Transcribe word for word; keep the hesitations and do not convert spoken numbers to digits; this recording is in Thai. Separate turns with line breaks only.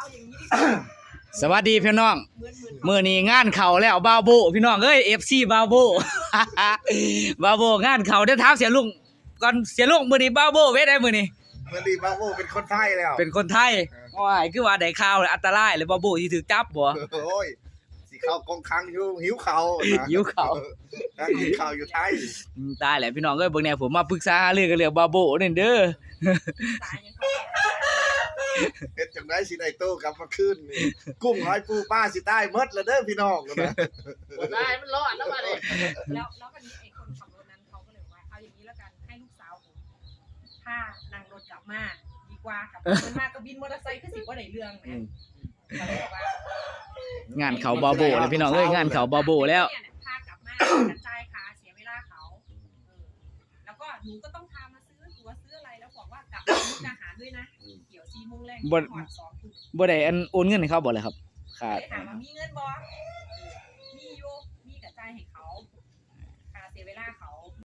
เอาอย่างนี้ดีกว่า
สวัสดีพี่น้องมื้อนี้งานเข้าแล้วบาวโบพี่น้องเอ้ย เอฟ ซี บาวโบ บาวโบงานเข้าเดี๋ยวถามเสียลุงก่อนเสียลุงมื้อนี้บาวโบเว้ได้มื้อนี้
มื้อนี้บาโบเป็นคนไทยแล้ว
เป็นคนไทยว้ายคือว่าได้ข่าวอันตรายเลยบาวโบสิถูกจับบ่
โอ้ยสิเข้ากองคังอยู่หิวข้าวนะ
หิวข้าว
นั่งกินข้าวอยู่ไทย
อืมตายแล้วพี่น้องเอ้ยเบิ่งแน่ผมมาปรึกษาหารือกันเรื่องบาวโบนี่เด้อ
สายยังเขาแก่
เฮ็ดจังได๋สิได้โตกลับมาคืนนี่กุ้งหอยปูปลาสิตายหมดแล้วเด้อพี่น้องนะ
ได้มันรอดแล้วมาเลย
แล้วแล้ววันนี้ไอ้คนขับรถนั้นเขาก็เลยว่าเอาอย่างนี้แล้วกันให้ลูกสาวผมพานั่งรถกลับมาดีกว่ากับมันมาก็บินมอเตอร์ไซค์คือสิบ่ได้เรื่องแหมก็เลยบอกว่าง
านเข้าบาวโบแล้วพี่น้องเอ้ยงานเข้าบาวโบแล้ว
เนี่ยพากลับมากระจายขาเสียเวลาเขาเออแล้วก็หนูก็ต้องพามาซื้อตั๋วซื้ออะไรแล้วบอกว่ากลับมามุกดาหารด้วยนะเกี่ยวซีโมงแรง
บ่
ก่อนสองทุ่ม
บ่ได้อันโอนเงินให้เขาบ่เลยครับขาด
ถามว่ามีเงินบ่มีอยู่มีกระจายให้เขาค่าเสียเวลาเขา